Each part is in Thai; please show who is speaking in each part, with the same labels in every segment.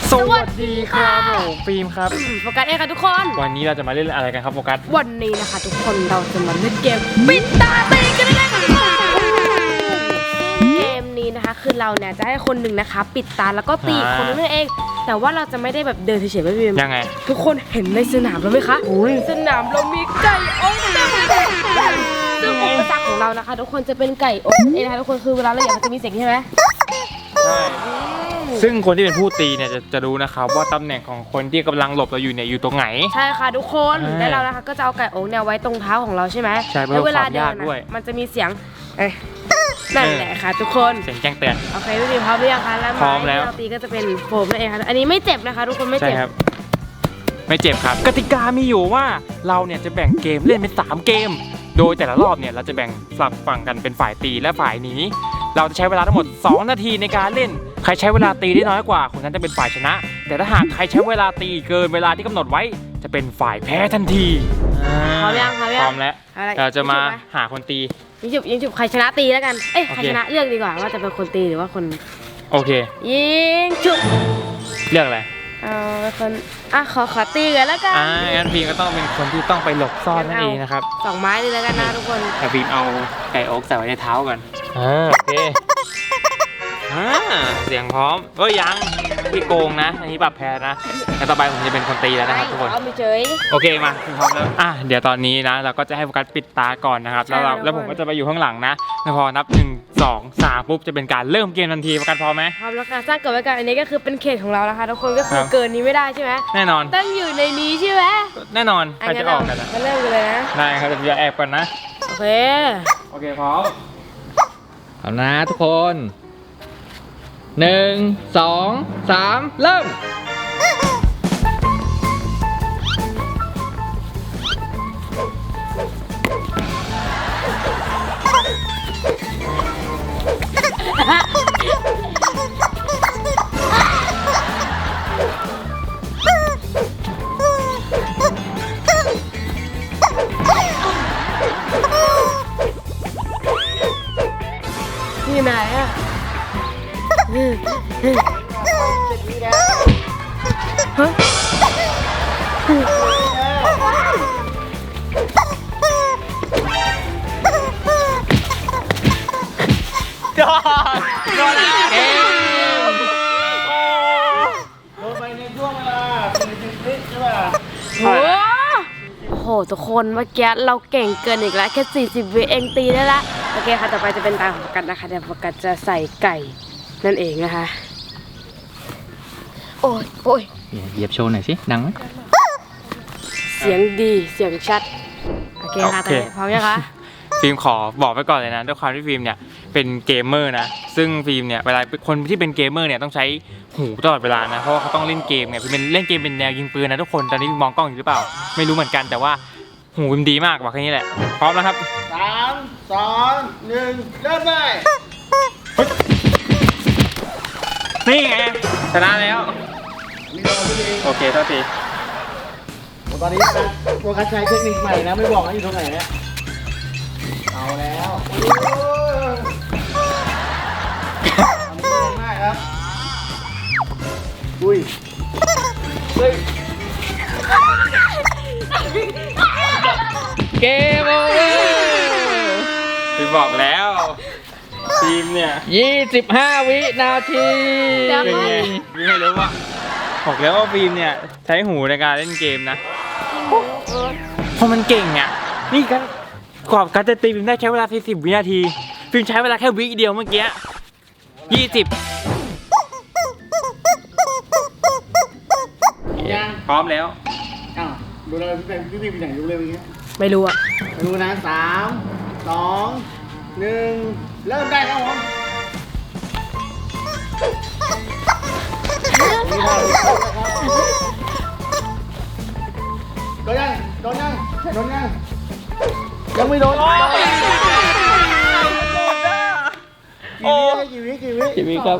Speaker 1: สวัสดีครับผมฟิล์มครับ
Speaker 2: โฟกัสเองค่ะทุกคน
Speaker 1: วันนี้เราจะมาเล่นอะไรกันครับโฟกัส
Speaker 2: วันนี้นะคะทุกคนเราจะมาเล่นเกมปิดตาตีกันได้ค่ะเกมนี้นะคะคือเราเนี่ยจะให้คนหนึ่งนะคะปิดตาแล้วก็ตีคนนึงนั่นเองแต่ว่าเราจะไม่ได้แบบเดินเฉยๆไม่พิม
Speaker 1: ยังไง
Speaker 2: ทุกคนเห็นในสนามเราไหมคะสนามเรามีไก่อบซึ่งอุปสรรคของเรานะคะทุกคนจะเป็นไก่อบเองนะคะทุกคนคือเวลาเราอยากมันจะมีเสียงใช่ไหม
Speaker 1: ใช่ซึ่งคนที่เป็นผู้ตีเนี่ยจะรู้นะครับว่าตำแหน่งของคนที่กำลังหลบเราอยู่เนี่ยอยู่ตรงไหน
Speaker 2: ใช่ค่ะทุกคนและเรานะคะก็จะเอาไก่อบเนี่ยไว้ตรงเท้าของเราใช่ไหม
Speaker 1: ใช่
Speaker 2: แล้วเวลาเดินมันจะมีเสียงนั่นแหละค่ะทุกคน
Speaker 1: เสียงแจ้งเตือน
Speaker 2: โอเคพี่พร้อมหรือยังคะแล้วไม้ที่เราตีก็จะเป็นโฟมนั่นเองค่ะอันนี้ไม่เจ็บนะคะทุกคนไม่เจ็บ
Speaker 1: ไม่เจ็บครับกติกามีอยู่ว่าเราเนี่ยจะแบ่งเกมเล่นเป็น3เกมโดยแต่ละรอบเนี่ยเราจะแบ่งฝั่งกันเป็นฝ่ายตีและฝ่ายหนีเราจะใช้เวลาทั้งหมด2นาทีในการเล่นใครใช้เวลาตีได้น้อยกว่าคนนั้นจะเป็นฝ่ายชนะแต่ถ้าหากใครใช้เวลาตีเกินเวลาที่กำหนดไว้จะเป็นฝ่ายแพ้ทันที
Speaker 2: พร้อมยัง
Speaker 1: พร้อมแล้วเราจะมาหาคนตี
Speaker 2: ยิงจุบใครชนะตีแล้วกันใครชนะเลือกดีกว่าว่าจะเป็นคนตีหรือว่าคน
Speaker 1: โอเค
Speaker 2: ยิงจุบ
Speaker 1: เลือกอะไร
Speaker 2: คนขอตีกันแล้วกัน
Speaker 1: งั้นฟิล์มก็ต้องเป็นคนที่ต้องไปหลบซ่อนนั่นเองนะครับ
Speaker 2: 2ไม้เลยแล้วกันนะทุกคน
Speaker 1: แต่ฟิล์มเอาไก่อกใส่ไว้ในเท้าก่อนโอเคเสียงพร้อมยังพี่โกงนะอันนี้ปรับแพ้นะแต่ต่อไปผมจะเป็นคนตีแล้วนะครับทุกคนโอเคมาพร้อมแล้วเดี๋ยวตอนนี้นะเราก็จะให้โฟกัสปิดตาก่อนนะครับแล้วผมก็จะไปอยู่ข้างหลังนะพอนับ1 2 3ปุ๊บจะเป็นการเริ่มเกมทันทีโฟกัสพร้อมไหม
Speaker 2: พร้อมแล้วค่ะสร้างเกิดไว้กันอันนี้ก็คือเป็นเขตของเรานะคะทุกคนก็คือเกินนี้ไม่ได้ใช่ไหม
Speaker 1: แน่นอน
Speaker 2: ต้องอยู่ในนี้ใช่ไหม
Speaker 1: แน่นอนใครจะออกกัน
Speaker 2: ก็เริ่มกันเลยนะ
Speaker 1: ได้ครับเดี๋ยวแอบก่อนนะ
Speaker 2: โอเค
Speaker 1: พร้อมนะทุกคน1 2 3เริ่ม
Speaker 2: นี่ไหน
Speaker 1: โดนเกมโดนไปในช่วงเวลา40 วิใช่ป่ะ
Speaker 2: โอ้โหทุกคนเมื่อกี้เราเก่งเกินอีกแล้วแค่40 วิเองตีได้ละโอเคค่ะต่อไปจะเป็นตาของโฟกัสนะคะเดี๋ยวโฟกัสจะใส่ไก่นั่นเองนะคะโอ้ย
Speaker 1: เหยียบโชว์หน่อยสิดังไหม
Speaker 2: เสียงดีเสียงชัดโอเคค่ะตอนนี้พร้อมยังคะ
Speaker 1: ฟิล์มขอบอกไว้ก่อนเลยนะด้วยความที่ฟิล์มเนี่ยเป็นเกมเมอร์นะซึ่งฟิล์มเนี่ยเวลาคนที่เป็นเกมเมอร์เนี่ยต้องใช้หูตลอดเวลานะเพราะว่าเขาต้องเล่นเกมไงฟิล์มเป็นเล่นเกมเป็นแนวยิงปืนนะทุกคนตอนนี้มองกล้องอยู่หรือเปล่าไม่รู้เหมือนกันแต่ว่าหูฟิล์มดีมากบอกแค่นี้แหละพร้อมแล้วครับ
Speaker 3: 3 2 1เริ่มได้
Speaker 1: นี่ไงชนะแล้วโอเคท่าที
Speaker 3: ตอนนี้โฟกัสใช้เทคนิคใหม่นะไม่บอกนะอยู่ตรงไหนเนี่ยเอาแล้วง่ายครับอุ้ย
Speaker 1: เกมโอเวอร์พี่บอกแล้วทีมเนี่ย25 วินาทีเป็นไงไม่รู้ว่าบอกแล้วว่าฟิล์มเนี่ยใช้หูในการเล่นเกมนะเพราะมันเก่งอ่ะนี่กันกว่าการจะตีฟิล์มได้ใช้เวลา40 วินาทีฟิล์มใช้เวลาแค่วิเดียวเมื่อกี้20พร้อมแล้ว
Speaker 3: ดูเลยพี่เป็นอย่างดูเลยอย่างเงี้ย
Speaker 2: ไม่รู้อ่ะ
Speaker 3: ดูนะ3 2 1เริ่มได้ครับผมโดนยังยังไม่โดนกี่วิ
Speaker 1: ครับ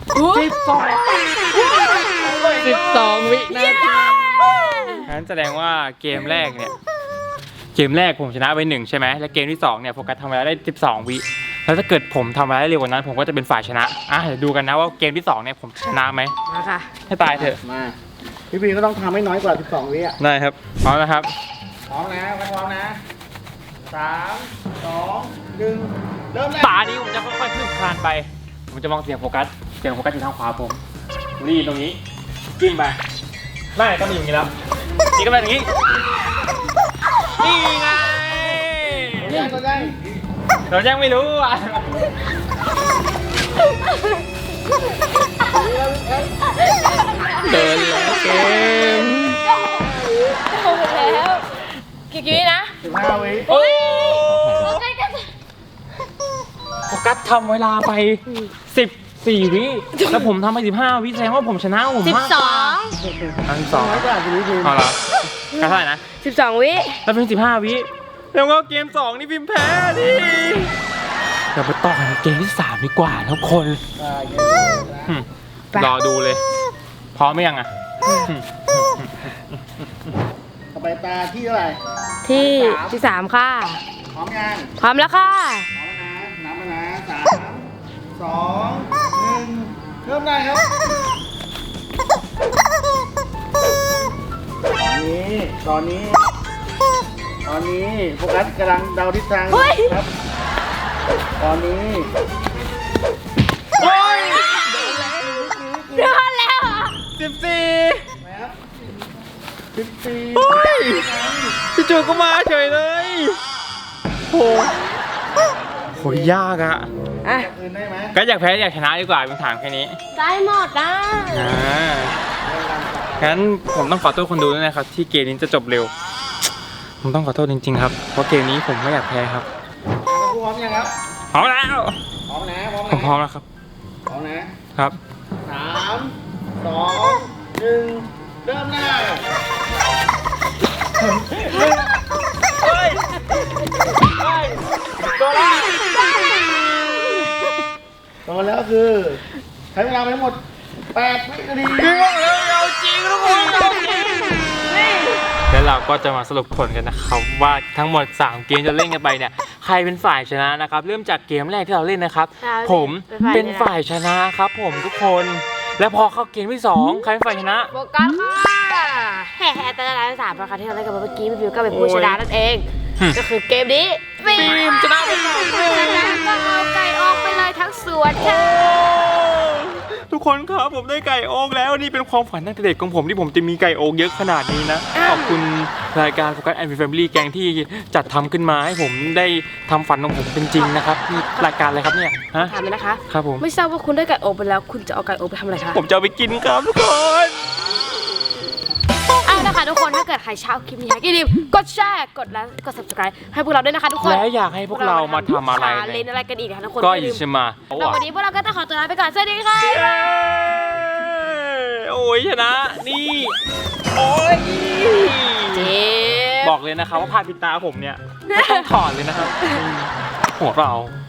Speaker 1: 12 วินาทีงั้นแสดงว่าเกมแรกผมชนะไป1ใช่ไหมและเกมที่2เนี่ยโฟกัสทำเวลาได้12 วิแล้วถ้าเกิดผมทำอะไรได้เร็วกว่านั้นผมก็จะเป็นฝ่ายชนะเดี๋ยวดูกันนะว่าเกมที่2เนี่ยผมชนะไหม
Speaker 2: มาค่ะ
Speaker 1: ให้ตายเถอะ
Speaker 3: มาพี่บีก็ต้องทำให้น้อยกว่า12วิอ่ะ
Speaker 1: ได้ครับพร้อมนะครับ
Speaker 3: พร้อมนะพร้อมนะ3 2 1เริ่มได้
Speaker 1: ตานี้ผมจะค่อยๆคืบคลานไปผมจะมองเสียงโฟกัสอยู่ทางขวาผมรีดตรงนี้กิ้งไปไม่ต้องมีอย่างนี้แล้วนี่ก็เป็นอย่างนี้นี่ไง
Speaker 3: ตัวใหญ่
Speaker 1: เรายังไม่รู้อ่ะเดินแล้วเกม
Speaker 2: แล้วกี่วินะ
Speaker 3: 15 วิ
Speaker 1: โอ้ย
Speaker 2: ใกล้กัน
Speaker 1: โฟกัสทำเวลาไป14 วิแล้วผมทำไป15 วิแสดงว่าผมชนะผมมากกว่า12
Speaker 3: น้อยกว่าพี่บี
Speaker 1: เอาละก็เท่าไหร่นะ
Speaker 2: 12 วิ
Speaker 1: แล้วเป็น15 วิแล้วก็เกม2นี่พิมพ์แพ้ดิเราไปต่อกันเกมที่3ดีกว่าทุกคนรอดูเลยพร้อมไหมยังอ่ะ
Speaker 3: ต่อไปตาที่เท่าไหร่
Speaker 2: ที่3ค่ะ
Speaker 3: พร้อมยัง
Speaker 2: พร้อมแล้วค่ะ
Speaker 3: พร้อมแล้วนะนับแล้วนะ3 2 1เริ่มได้ครับตอนนี้โฟกัสกำลังเดาทิศทางครับตอนนี้
Speaker 1: โอ้ย
Speaker 2: เดือนแล้วเหรอ
Speaker 1: 14
Speaker 3: นะครับ14
Speaker 1: โอ้ยจู่ๆก็มาเฉยเลยโหยากอ่ะ
Speaker 2: อ่ะ
Speaker 3: อื่นได้ไหม
Speaker 1: ก็อยากแพ้อยากชนะดีกว่าเป็นถามแค่นี้
Speaker 2: ได้หมดนะ
Speaker 1: งั้นผมต้องขอโทษคนดูด้วยนะครับที่เกมนี้จะจบเร็ว ผมต้องขอโทษจริงๆครับเพราะเกมนี้ผมไม่อยากแพ้ครับ
Speaker 3: พร้อมยังครับ
Speaker 1: พร้อมแล้ว
Speaker 3: พร้อมนะ
Speaker 1: ผมพร้อมแล้วครับ
Speaker 3: พร้อมนะครับ 3 2 1เริ่มได้
Speaker 1: เฮ้ยตัวละ
Speaker 3: ต่อแล้วคือใช้เวลาไปทั้งหมด8 วินาที
Speaker 1: เอาจริงทุกคนเอาจริงแล้วเราก็จะมาสรุปผลกันนะครับว่าทั้งหมด3เกมจะเล่นกันไปเนี่ยใครเป็นฝ่ายชนะนะครับเริ่มจากเกมแรกที่เราเล่นนะครับผมเป็นฝ่ายชนะครับผมทุกคน แล้วพอเข้าเกมที่2ใครเป็นฝ่ายชนะ
Speaker 2: โฟกัสค่ะแห่แต่ละสามนะคะที่เราเล่นกันเมื่อกี้พี่บิวก็เป็นผู้ชนะนั่นเอง ก็คือเกมนี้ฟิล์ม
Speaker 1: ชนะไป2
Speaker 2: ชนะก็เอาไก่ออกไปเลยทั้งสวนค่ะ
Speaker 1: ทุกคนครับผมได้ไก่โอ๊กแล้วนี่เป็นความฝันตั้งแต่เด็กของผมที่ผมจะมีไก่โอ๊กเยอะขนาดนี้นะขอบคุณรายการโฟกัสแอนด์แฟมิลี่แกงที่จัดทำขึ้นมาให้ผมได้ทำฝันของผมเป็นจริงนะครับนี่รายการอะไรครับเนี่ยฮะ
Speaker 2: ถามเลยนะคะ
Speaker 1: ครับผม
Speaker 2: ไม่ทราบว่าคุณได้ไก่อบไปแล้วคุณจะเอาไก่อบไปทำอะไรคะ
Speaker 1: ผมจะเอาไปกินครับทุกคน
Speaker 2: เอาละค่ะทุกคนถ้าเกิดใครชอบคลิปนี้อย่าลืมกดแชร์กดไลค์กด subscribe ให้พวกเราด้วยนะคะทุกคน
Speaker 1: และอยากให้พวกเรามาทำอะไร
Speaker 2: เล่นอะไรกันอีกนะคะทุกคน
Speaker 1: ก็
Speaker 2: อย่า
Speaker 1: อิ
Speaker 2: ลืม
Speaker 1: ชมา
Speaker 2: แล้ววันนี้พวกเราก็ต้องขอตัวลาไปก่อนสวัสดีค่ะ
Speaker 1: โอ้ยชนะนี่โอ้ย
Speaker 2: เจ๊
Speaker 1: บอกเลยนะครับว่าพาปิดตาผมเนี่ยไม่ต้องถอดเลยนะครับหัวเรา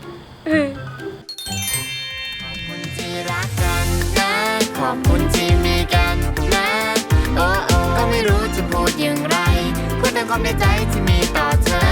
Speaker 4: ที่รักกันนะขอบคุณที่มีกันนะโอ้โอ้ก็ไม่รู้จะพูดอย่างไรพูดแต่ความในใจที่มีต่อเธอ